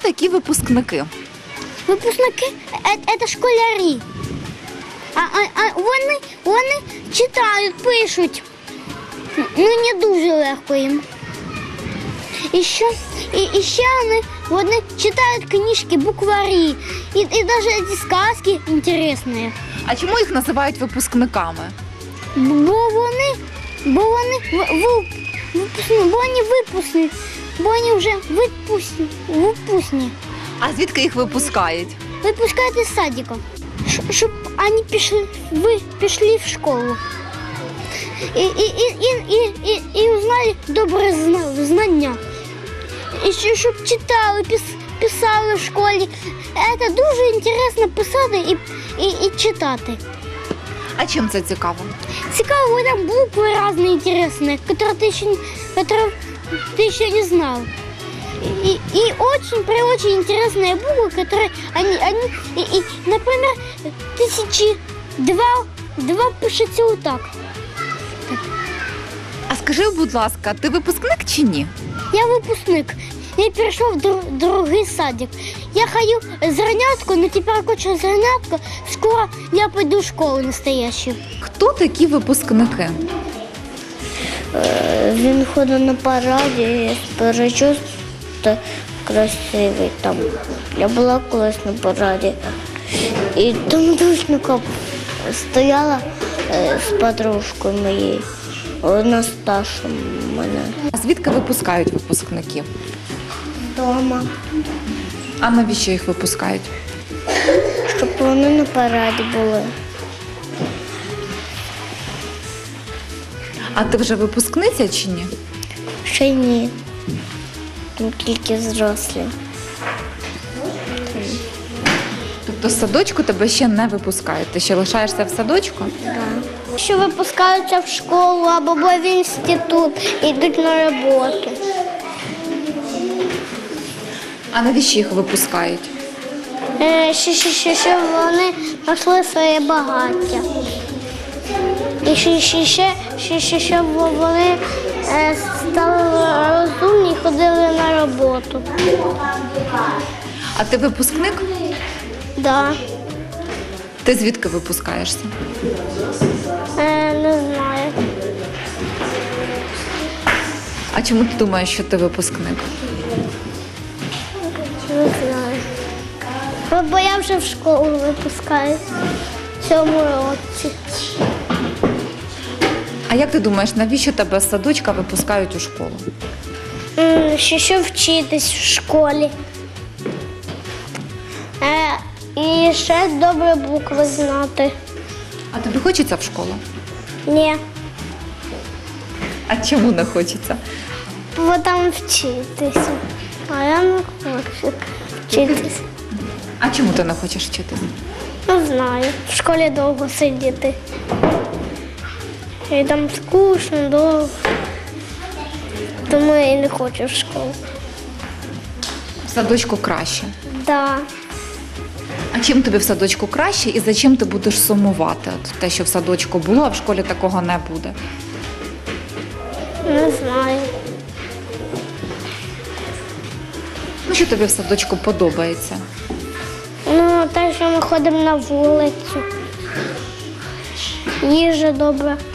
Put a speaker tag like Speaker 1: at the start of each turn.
Speaker 1: такі випускники?
Speaker 2: Випускники це школярі. Вони читають, пишуть. Ну, не дуже легко їм. І ще вони читають книжки, букварі. І навіть ці сказки цікаві.
Speaker 1: А чому їх називають випускниками?
Speaker 2: Бо вони випускні, бо вони вже випускні.
Speaker 1: А звідки їх випускають?
Speaker 2: Випускають із садика, щоб вони пішли в школу. І узнали добре знання. І щоб читали, писали в школі. Це дуже цікаво писати і читати.
Speaker 1: А чим це цікаво?
Speaker 2: Цікаво, там буквы разные интересные, которые ты еще не знал. И очень интересные буквы, которые например, 1002 пишется вот так.
Speaker 1: А скажи, будь ласка, ти випускник чи ні?
Speaker 2: Я выпускник. Я перешел в другий садик. Я хожу зернятку, но теперь кончилась зернятка. Скоро я пойду в школу настоящую.
Speaker 1: Хто такі випускники?
Speaker 2: Він ходить на параді, перечуст красивий там. Я була колись на параді. І там душника стояла з подружкою моєю. Вона старша мене.
Speaker 1: А звідки випускають випускників?
Speaker 2: Дома,
Speaker 1: А навіщо їх випускають?
Speaker 2: щоб вони на параді були.
Speaker 1: А ти вже випускниця чи ні?
Speaker 2: Ще ні. Там тільки взрослі.
Speaker 1: Тобто з садочку тебе ще не випускають? Ти ще лишаєшся в садочку?
Speaker 2: Що випускаються в школу або в інститут, йдуть на роботу.
Speaker 1: А навіщо їх випускають?
Speaker 2: Щоб вони знайшли своє багаття. І щоб вони стали розумні і ходили на роботу.
Speaker 1: А ти випускник?
Speaker 2: Да.
Speaker 1: Ти звідки випускаєшся?
Speaker 2: Не знаю.
Speaker 1: А чому ти думаєш, що ти випускник?
Speaker 2: Не знаю. Бо я вже в школу випускаю в цьому році.
Speaker 1: А як ти думаєш, навіщо тебе з садочка випускають у школу?
Speaker 2: Щоб вчитись в школі. І ще добре букви знати.
Speaker 1: А тобі хочеться в школу?
Speaker 2: Ні,
Speaker 1: А чому не хочеться?
Speaker 2: бо там вчитися. А я не хочу вчитися.
Speaker 1: А чому ти не хочеш вчитися?
Speaker 2: Не знаю. В школі довго сидіти. І там скучно, довго. Тому я і не хочу в школу.
Speaker 1: В садочку краще.
Speaker 2: Да.
Speaker 1: А чим тобі в садочку краще і за чим ти будеш сумувати? От те, що в садочку було, а в школі такого не буде.
Speaker 2: Не знаю.
Speaker 1: Ну, що тобі в садочку подобається?
Speaker 2: Ну, те, що ми ходимо на вулицю. Їжа добра.